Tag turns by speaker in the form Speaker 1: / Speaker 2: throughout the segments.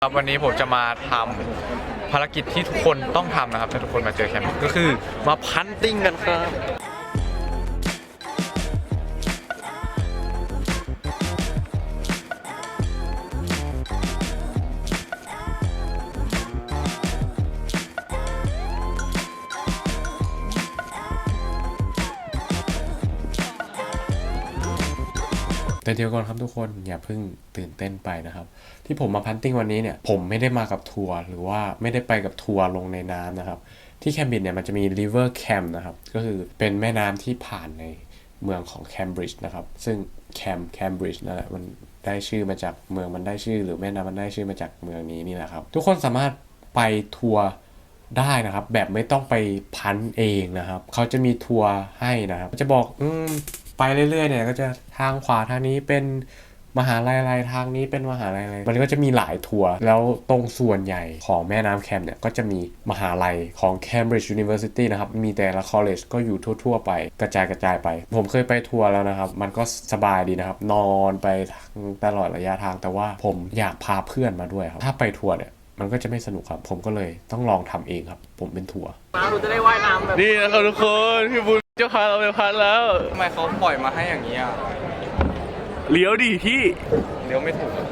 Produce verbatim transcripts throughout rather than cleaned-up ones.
Speaker 1: ครับวันนี้ผมจะมาทำภารกิจที่ทุกคนต้องทำนะครับถ้าทุกคนมาเจอแคมป์ก็คือมาพันติ้งกันครับแต่เดี๋ยวก่อนครับทุกคนอย่าเพิ่งตื่นเต้นไปนะครับที่ผมมาพันติ้งวันนี้เนี่ยผมไม่ได้มากับทัวร์หรือว่าไม่ได้ไปกับทัวร์ลงในน้ำนะครับที่แคมบริดจ์เนี่ยมันจะมี River Cam นะครับก็คือเป็นแม่น้ำที่ผ่านในเมืองของแคมบริดจ์นะครับซึ่งแคมแคมบริดจ์นั่นแหละมันได้ชื่อมาจากเมืองมันได้ชื่อหรือแม่น้ำมันได้ชื่อมาจากเมืองนี้นี่แหละครับทุกคนสามารถไปทัวร์ได้นะครับแบบไม่ต้องไปพันเองนะครับเขาจะมีทัวร์ให้นะครับจะบอกอืมไปเรื่อยๆเนี่ยก็จะทางขวาทางนี้เป็นมหาลัยอะไรทางนี้เป็นมหาลัยอะไรมันก็จะมีหลายทัวร์แล้วตรงส่วนใหญ่ของแม่น้ำแคมเนี่ยก็จะมีมหาลัยของ Cambridge University นะครับมีแต่ละ college ก็อยู่ทั่วๆไปกระจายกระจายไปผมเคยไปทัวร์แล้วนะครับมันก็สบายดีนะครับนอนไปตลอดระยะทางแต่ว่าผมอยากพาเพื่อนมาด้วยครับถ้าไปทัวร์เนี่ยมันก็จะไม่สนุกครับผมก็เลยต้องลองทำเองครับผมเป็นทัวร์
Speaker 2: มาเราจะได้ว่ายน้ำแบบ
Speaker 3: นี่นะครับทุกคนพี่บุญจะพาเราไปพันแล้ว
Speaker 1: ทำไมเขาปล่อยมาให้อย่างนี้อ่ะ
Speaker 3: เลี้ยวดิพี่
Speaker 1: เลี้ยวไม่ถูก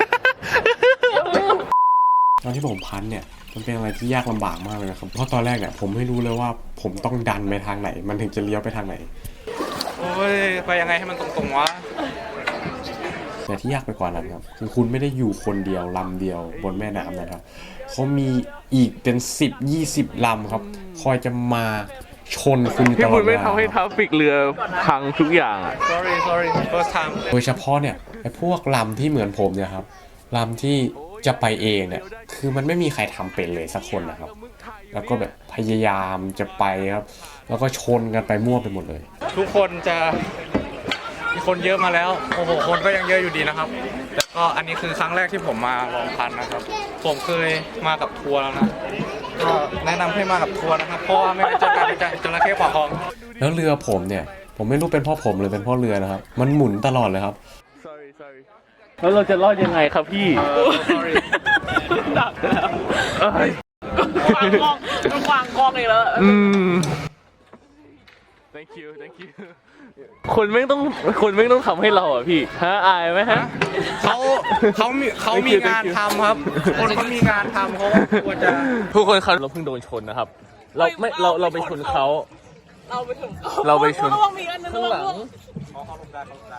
Speaker 4: ตอนที่ผมพันเนี่ยมันเป็นอะไรที่ยากลำบากมากเลยนะครับเพราะตอนแรกเนี่ยผมไม่รู้เลยว่าผมต้องดันไปทางไหนมันถึงจะเลี้ยวไปทางไหน
Speaker 1: โอ้ยไปยังไงให้มันตรงๆวะ
Speaker 4: แต่ที่ยากไปกว่านั้นครับคือคุณไม่ได้อยู่คนเดียวลำเดียวบนแม่น้ำนะครับเขามีอีกเป็นสิบยี่สิบลำครับคอยจะมาชนคุณตลอดเวลา
Speaker 3: พี่บุญไม่ทำให้ทราฟฟิกเรือพังทุกอย่างอ่ะ
Speaker 1: sorry sorry first time
Speaker 4: โดยเฉพาะเนี่ยไอ้พวกลำที่เหมือนผมเนี่ยครับลำที่จะไปเองเนี่ยคือมันไม่มีใครทำเป็นเลยสักคนนะครับแล้วก็แบบพยายามจะไปครับแล้วก็ชนกันไปมั่วไปหมดเลย
Speaker 1: ทุกคนจะมีคนเยอะมาแล้วโอ้โหคนก็ยังเยอะอยู่ดีนะครับแล้วก็อันนี้คือครั้งแรกที่ผมมาลองพันนะครับผมเคยมากับทัวร์แล้วนะก็แนะนำให้มากับทัวร์นะครับเพราะว่าไม่งั้นจะกลายเป็นจระเข้ปากคลอง
Speaker 4: แล้วเรือผมเนี่ยผมไม่รู้เป็นเพราะผมหรือเป็นเพราะเรือนะครับมันหมุนตลอดเลยครับ
Speaker 3: sorry sorry แล้วเราจะรอดยังไงครับพี่
Speaker 1: sorry
Speaker 3: ดักแล้ววาง
Speaker 2: กล้องมันวางกล้องเลยแล้ว
Speaker 3: อืม thank you thank you คนไม่ต้องคนไม่ต้องทำให้เราอ่ะพี่ฮะอายไหมฮะ
Speaker 1: เขาเขามีเขามีงานทำครับคนเขามีงานทำเขาควรจะ
Speaker 3: ทุกคนครับเราเพิ่งโดนชนนะครับเราไม่เราเราไปชนเขา
Speaker 2: เราไปชนเขา
Speaker 3: เราไปชน
Speaker 2: ข้างหลัง
Speaker 1: เขาหลบได้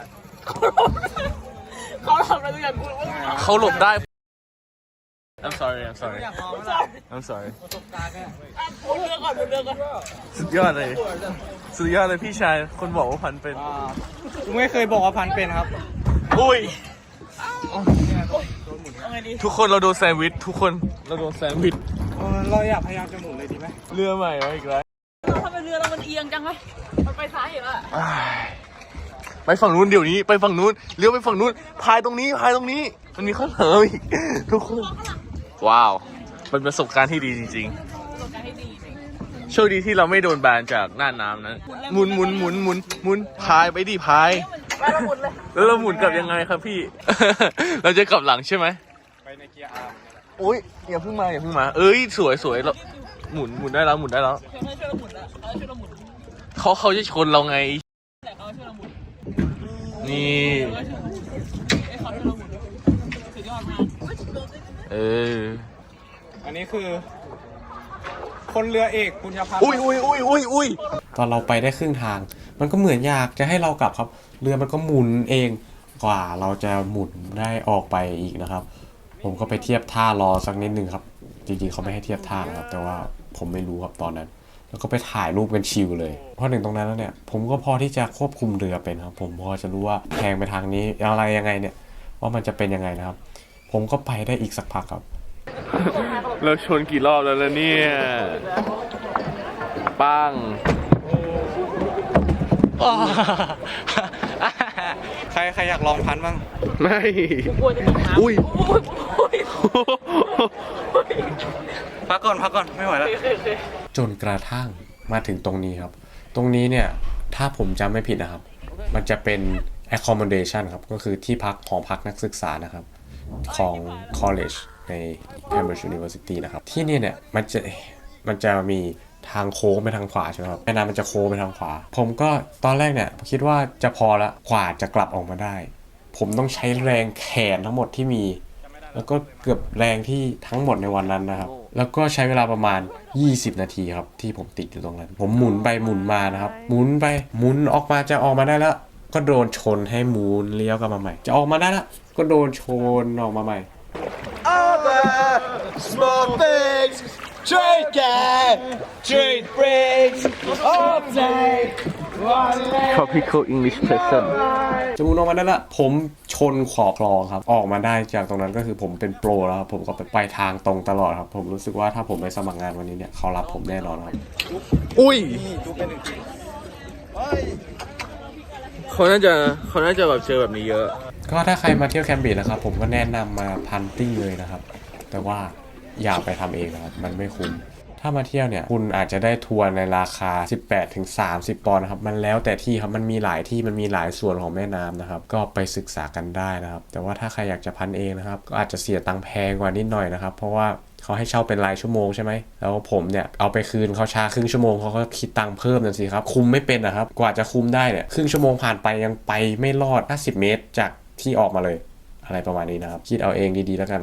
Speaker 2: เขาหลบได้เขาทำอะไรทุกอย่างกูรู้ว่า
Speaker 3: เขาหลบได้ I'm sorry I'm sorry I'm sorry
Speaker 2: เลือกก่อนเลือกก่อน
Speaker 3: สุดยอดเลยสุดยอดเลยพี่ชายคนบอกว่าพันเป็น
Speaker 1: ไม่เคยบอกว่าพันเป็นครับ
Speaker 3: อุ้ยทุกคนเราโดนแซนด์วิชทุกคนเราโดนแซนด์วิช
Speaker 1: เราอยากพยายามจะหมุนเลยดีไหม
Speaker 3: เรือใหม่มาอีกแล้ว
Speaker 2: ทำไมเรือเรามันเอียงจังวะมันไปซ้ายอีกแล้ว
Speaker 3: ไปฝั่งนู้นเดี๋ยวนี้ไปฝั่งนู้นเลี้ยวไปฝั่งนู้นพายตรงนี้พายตรงนี้มันมีข้างหลังอีกทุกคนว้าวเป็นประสบการณ์ที่ดีจริงๆโชคดีที่เราไม่โดนแบนจากหน้าน้ำนั้นหมุนหมุนหมุนหมุนหมุนพายไปดิพายแล้วเราหมุนกลับยังไงครับพี่ เราจะกลับหลังใช่ไหม
Speaker 1: ไปในเกียร์อาร์
Speaker 3: โอ้ยอย่าเพิ่งมาอย่าเพิ่งมาเอ้ยสวยสวยเราหมุนหมุนได้แล้วหมุนได้แล้วเขาเขาจะชนเราไงนี่เออ
Speaker 1: อันนี้คือคนเรือเอกปุญญพัฒน์
Speaker 3: อุ้ยอุ้ยอุ้ยอุ้ยอุ้ย
Speaker 4: ตอนเราไปได้ครึ่งทางมันก็เหมือนอยากจะให้เรากลับครับเรือมันก็หมุนเองกว่าเราจะหมุนได้ออกไปอีกนะครับผมก็ไปเทียบท่ารอสักนิดนึงครับจริงๆเขาไม่ให้เทียบท่านะครับแต่ว่าผมไม่รู้ครับตอนนั้นแล้วก็ไปถ่ายรูปกันชิลเลยพอถึงตรงนั้นแล้วเนี่ยผมก็พอที่จะควบคุมเรือเป็นครับผมพอจะรู้ว่าแทงไปทางนี้อะไรยังไงเนี่ยว่ามันจะเป็นยังไงนะครับผมก็ไปได้อีกสักพักครับ
Speaker 3: เราชนกี่รอบแล้วล่ะเนี่ยปัง
Speaker 1: ใครใครอยากลองพันบ้าง
Speaker 3: ไม่อุ้ย
Speaker 1: พักก่อนพักก่อนไม่ไหวแล้ว
Speaker 4: จนกระทั่งมาถึงตรงนี้ครับตรงนี้เนี่ยถ้าผมจำไม่ผิดนะครับมันจะเป็น accommodation ครับก็คือที่พักของพักนักศึกษานะครับของ college ใน Cambridge University นะครับที่นี่เนี่ยมันจะมันจะมีทางโค้งไปทางขวาใช่ไหมครับแม่น้ำมันจะโค้งไปทางขวาผมก็ตอนแรกเนี่ยคิดว่าจะพอละกว่าจะกลับออกมาได้ ผมต้องใช้แรงแขนทั้งหมดที่มีแล้วก็เกือบแรงที่ทั้งหมดในวันนั้นนะครับแล้วก็ใช้เวลาประมาณยี่สิบนาทีครับที่ผมติดอยู่ตรงนั้นผมหมุนไปหมุนมานะครับหมุนไปหมุนออกมาจะออกมาได้แล้วก็โดนชนให้หมุนเลี้ยวกลับมาใหม่จะออกมาได้แล้วก็โดนชนออกมาใหม่
Speaker 5: Small things, trade cat, trade breaks, all day.
Speaker 3: tropical English person
Speaker 4: จะหมุนออกมาได้ละผมชนขอบคลองครับออกมาได้จากตรงนั้นก็คือผมเป็นโปรแล้วครับผมก็ไปไปทางตรงตลอดครับผมรู้สึกว่าถ้าผมไปสมัครงานวันนี้เนี่ยเขารับผมแน่นอนครับ
Speaker 3: อุ้ยเขาน่าจะเขาน่าจะแบบเจอแบบนี้เยอะ
Speaker 4: ก็ถ้าใครมาเที่ยวแคมบริดจ์นะครับผมก็แนะนำมาพันติ้งเลยนะครับแต่ว่าอย่าไปทำเองนะครับมันไม่คุ้มถ้ามาเที่ยวเนี่ยคุณอาจจะได้ทัวร์ในราคา สิบแปดถึงสามสิบ ปอนด์นะครับมันแล้วแต่ที่ครับมันมีหลายที่มันมีหลายส่วนของแม่น้ำนะครับก็ไปศึกษากันได้นะครับแต่ว่าถ้าใครอยากจะพันเองนะครับก็อาจจะเสียตังค์แพงกว่านิดหน่อยนะครับเพราะว่าเขาให้เช่าเป็นรายชั่วโมงใช่ไหมแล้วผมเนี่ยเอาไปคืนเขาช้าครึ่งชั่วโมงเขาก็คิดตังค์เพิ่มนั่นสิครับคุมไม่เป็นนะครับกว่าจะคุมได้เนี่ยครึ่งชั่วโมงผ่านไปยังไปไม่รอดห้าสิบเมตรจากที่ออกมาเลยอะไรประมาณนี้นะครับคิดเอาเองดีๆแล้วกัน